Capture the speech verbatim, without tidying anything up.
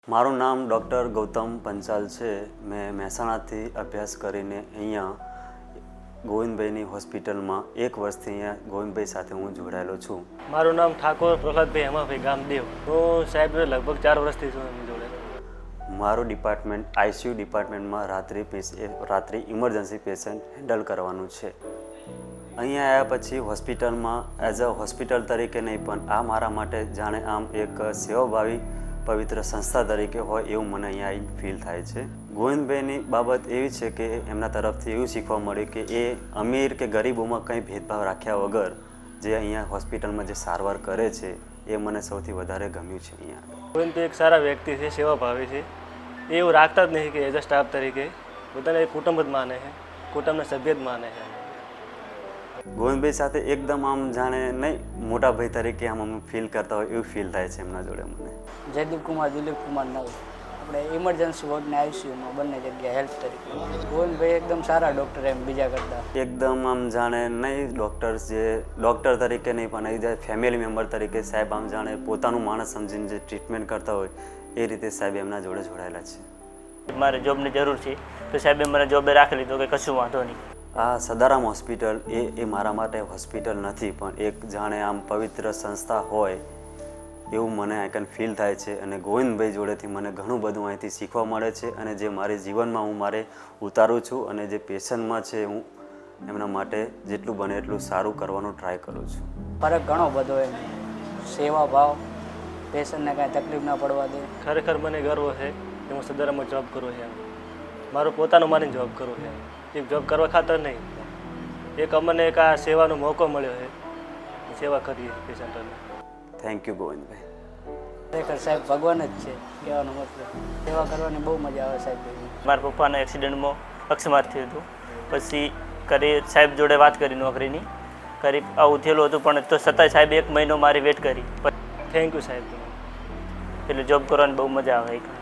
મારું નામ ડૉક્ટર ગૌતમ પંચાલ છે. મેં મહેસાણાથી અભ્યાસ કરીને અહીંયા ગોવિંદભાઈની હોસ્પિટલમાં એક વર્ષથી અહીંયા ગોવિંદભાઈ સાથે હું જોડાયેલો છું. મારું નામ ઠાકોર પ્રહલાદભાઈ હેમાભાઈ ગામદેવ. હું સાહેબ લગભગ ચાર વર્ષથી છું એમ જોડે. મારું ડિપાર્ટમેન્ટ આઈસીયુ ડિપાર્ટમેન્ટમાં રાત્રિ રાત્રિ ઇમરજન્સી પેશન્ટ હેન્ડલ કરવાનું છે. અહીંયા આવ્યા પછી હોસ્પિટલમાં એઝ અ હોસ્પિટલ તરીકે નહીં પણ આ મારા માટે જાણે આમ એક સેવાભાવી પવિત્ર સંસ્થા તરીકે હોય એવું મને અહીંયા આવીને ફીલ થાય છે. ગોવિંદભાઈની બાબત એવી છે કે એમના તરફથી એવું શીખવા મળ્યું કે એ અમીર કે ગરીબોમાં કંઈ ભેદભાવ રાખ્યા વગર જે અહીંયા હોસ્પિટલમાં જે સારવાર કરે છે એ મને સૌથી વધારે ગમ્યું છે. અહીંયા ગોવિંદભાઈ એક સારા વ્યક્તિ છે, સેવાભાવી છે. એ એવું રાખતા જ નહીં કે એઝ અ સ્ટાફ તરીકે પોતાને કુટુંબ જ માને છે, કુટુંબના સભ્ય જ માને છે. ગોવિંદભાઈ સાથે એકદમ આમ જાણે નહીં મોટા ભાઈ તરીકે આમ અમે ફીલ કરતા હોય એવું ફીલ થાય છે એમના જોડે મને. જયદીપ કુમાર દિલીપ કુમાર નવ આપણે ઇમરજન્સી વોર્ડને આઈસીયુમાં બંને જગ્યાએ હેલ્પ તરીકે. ગોવિંદભાઈ એકદમ સારા ડૉક્ટર એમ બીજા કરતાં એકદમ આમ જાણે નહીં ડૉક્ટર્સ જે ડૉક્ટર તરીકે નહીં પણ એ ફેમિલી મેમ્બર તરીકે સાહેબ આમ જાણે પોતાનું માણસ સમજીને જે ટ્રીટમેન્ટ કરતા હોય એ રીતે સાહેબ એમના જોડે જોડાયેલા છે. મારે જોબની જરૂર છે તો સાહેબે મને જોબે રાખી લીધો કે કશું વાંધો નહીં. આ સદારામ હોસ્પિટલ એ એ મારા માટે હોસ્પિટલ નથી પણ એક જાણે આમ પવિત્ર સંસ્થા હોય એવું મને આઈકન ફીલ થાય છે. અને ગોવિંદભાઈ જોડેથી મને ઘણું બધું અહીંથી શીખવા મળે છે અને જે મારી જીવનમાં હું મારે ઉતારું છું અને જે પેશન્ટમાં છે હું એમના માટે જેટલું બને એટલું સારું કરવાનો ટ્રાય કરું છું. ફરક ઘણો બધો એમ સેવા ભાવ, પેશન્ટને કાંઈ તકલીફ ના પડવા દે. ખરેખર મને ગર્વ છે કે હું સદારામાં જોબ કરું છું. મારું પોતાનું મારીને જોબ કરું છું. એક જોબ કરવા ખાતર નહીં, એક અમને એક આ સેવાનો મોકો મળ્યો છે, સેવા કરીએ પેશન્ટોને. Thank you Govindbhai. ખરેખર સાહેબ ભગવાન જ છે કહેવાનો મતલબ. સેવા કરવાની બહુ મજા આવે સાહેબ. મારા પપ્પાના એક્સિડન્ટમાં અકસ્માત થયું હતું. પછી કરી સાહેબ જોડે વાત કરી નોકરીની કરી આવું થયેલું હતું પણ તો છતાંય સાહેબ એક મહિનો મારી વેટ કરી. થેન્ક યુ સાહેબ. એટલે જોબ કરવાની બહુ મજા આવે.